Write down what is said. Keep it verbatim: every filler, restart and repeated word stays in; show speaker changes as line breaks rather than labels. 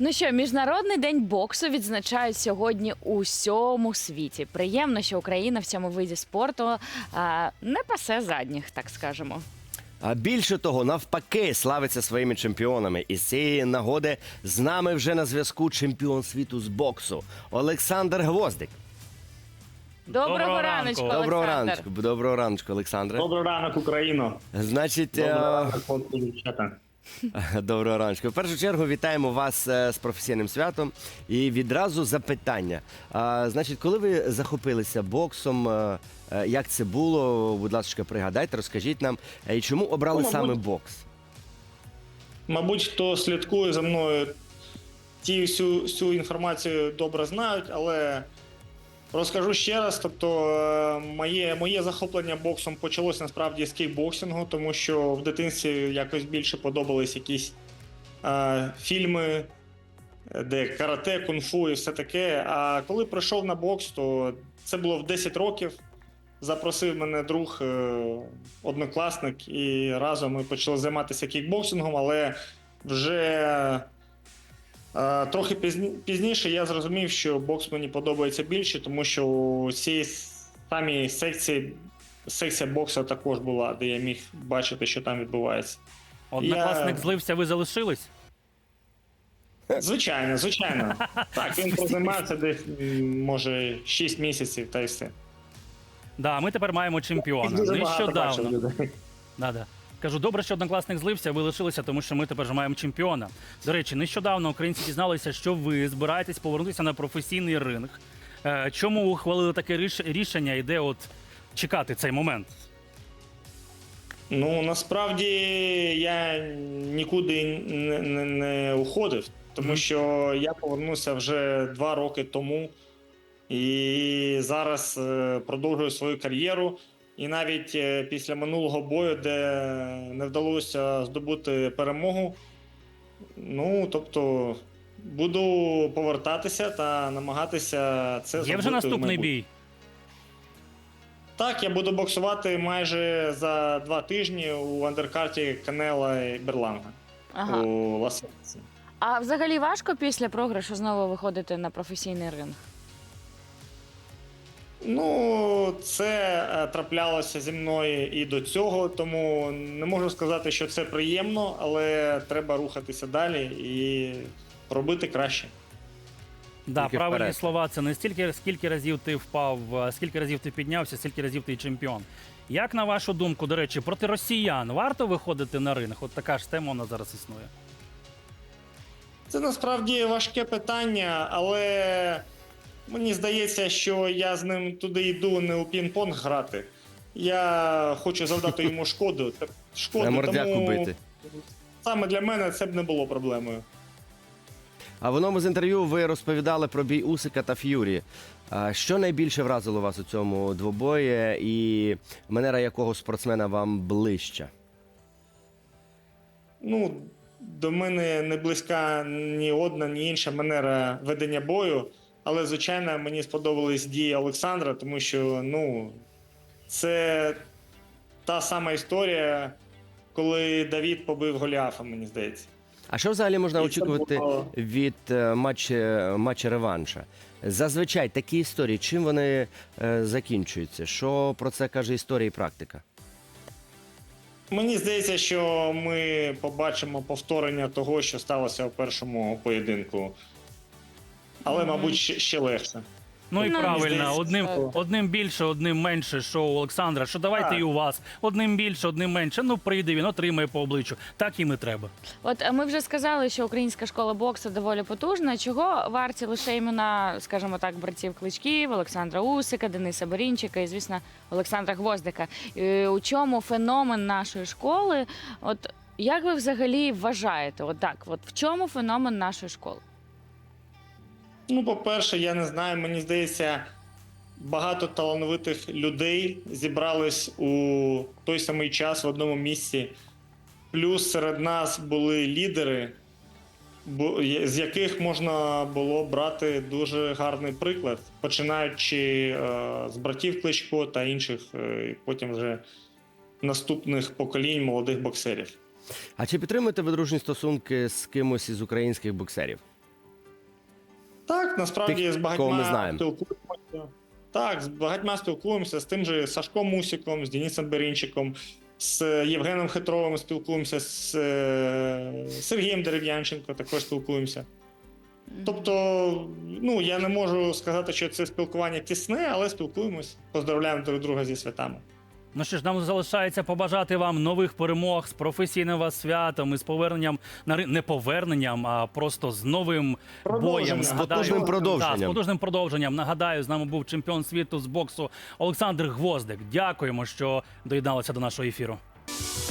Ну що, Міжнародний день боксу відзначають сьогодні у всьому світі. Приємно, що Україна в цьому виді спорту а, не пасе задніх, так скажемо.
А більше того, навпаки, славиться своїми чемпіонами. І з цієї нагоди з нами вже на зв'язку чемпіон світу з боксу Олександр Гвоздик.
Доброго,
Доброго
раночку,
ранку.
Доброго
Олександр.
раночку, доброго раночку, Олександре.
Добрий ранок, Україно.
Значить,
Добрий
е,
ранок, хлопці, дівчата.
доброго раночку. В першу чергу вітаємо вас е, з професійним святом. І відразу запитання. А, значить, коли ви захопилися боксом, е, е, як це було? Будь ласка, пригадайте, розкажіть нам. Е, І чому обрали
Ну, мабуть,
саме бокс?
Мабуть, хто слідкує за мною, ті всю, всю інформацію добре знають, але розкажу ще раз. Тобто, е, моє, моє захоплення боксом почалося насправді з кікбоксингу, тому що в дитинстві якось більше подобались якісь е, фільми, де карате, кунг-фу і все таке. А коли прийшов на бокс, то це було в десять років. Запросив мене друг, е, однокласник, і разом ми почали займатися кікбоксингом, але вже е, трохи пізні, пізніше я зрозумів, що бокс мені подобається більше, тому що у цій самій секції, секція боксу також була, де я міг бачити, що там відбувається.
Однокласник
Я-
злився, ви залишились?
Звичайно, звичайно. Так, він прозаймався десь, м, може, шість місяців, та й все.
Да, ми тепер маємо чемпіона.
Дуже багато бачив
Нещодавно.
людей.
Да, да. Кажу, добре, що однокласник злився, ви лишилися, тому що ми тепер вже маємо чемпіона. До речі, нещодавно українці дізналися, що ви збираєтесь повернутися на професійний ринг. Е, Чому ухвалили таке ріш- рішення і де от чекати цей момент?
Ну, насправді я нікуди не, не, не уходив, тому
Мгм.
що я повернувся вже два роки тому і зараз е, продовжую свою кар'єру. І навіть е, після минулого бою, де не вдалося здобути перемогу, ну, тобто, буду повертатися та намагатися це зробити.
Є вже
в
наступний
майбутньому.
бій.
Так, я буду боксувати майже за два тижні у андеркарті Канела і Берланга
Ага.
у Лас-Вегасі.
А взагалі важко після програшу знову виходити на професійний ринг?
Ну, це е, траплялося зі мною і до цього, тому не можу сказати, що це приємно, але треба рухатися далі і робити краще.
Да,
Тільки
правильні
вперед.
слова. Це не стільки, скільки разів ти впав, а скільки разів ти піднявся, скільки разів ти чемпіон. Як на вашу думку, до речі, проти росіян варто виходити на ринг? От така ж тема у нас зараз існує.
Це насправді важке питання, але мені здається, що я з ним туди йду не у пінг-понг грати. Я хочу завдати йому шкоду. Та- шкоди,
На мордяку
тому
бити.
саме для мене це б не було проблемою.
А в одному з інтерв'ю ви розповідали про бій Усика та Ф'юрі. А що найбільше вразило вас у цьому двобої і манера якого спортсмена вам ближча?
Ну, до мене не близька ні одна, ні інша манера ведення бою. Але, звичайно, мені сподобались дії Олександра, тому що, ну, це та сама історія, коли Давід побив Голіафа, мені здається.
А що взагалі можна
І це
очікувати
було-
від е, матча, матча реванша? Зазвичай такі історії, чим вони е, закінчуються? Що про це каже історія і практика?
Мені здається, що ми побачимо повторення того, що сталося у першому поєдинку. Але,
Мгм.
мабуть, ще, ще легше.
Ну і
Ну,
правильно,
здається,
одним,
що-
одним більше, одним менше, що у Олександра, що давайте
Так.
і у вас. Одним більше, одним менше. Ну прийде він, отримає по обличчю. Так їм і треба.
От е, ми вже сказали, що українська школа боксу доволі потужна. Чого варті лише імена, скажімо так, братів Кличків, Олександра Усика, Дениса Борінчика і, звісно, Олександра Гвоздика. І у чому феномен нашої школи? От як ви взагалі вважаєте? От так, от в чому феномен нашої школи?
Ну, по-перше, я не знаю, мені здається, багато талановитих людей зібрались у той самий час в одному місці. Плюс серед нас були лідери, бо- є- з яких можна було брати дуже гарний приклад, починаючи е, з братів Кличко та інших, е, і потім вже наступних поколінь молодих боксерів.
А чи підтримуєте ви дружні стосунки з кимось із українських боксерів?
Так, насправді
Тих,
з
кого ми
багатьма
знаємо.
спілкуємося. Так, з багатьма спілкуємося, з тим же Сашком Мусіком, з Денисом Берінчиком, з Євгеном Хитровим спілкуємося, з е, Сергієм Дерев'янченко також спілкуємося. Тобто, ну, я не можу сказати, що це спілкування тісне, але спілкуємось, поздравляємо друг друга зі святами.
Ну що ж, нам залишається побажати вам нових перемог з професійним вас святом і з поверненням на ри- не поверненням, а просто з новим
Продовженням.
боєм.
З
Нагадаю-
потужним продовженням.
Так, з потужним продовженням. Нагадаю, з нами був чемпіон світу з боксу Олександр Гвоздик. Дякуємо, що доєдналися до нашого ефіру.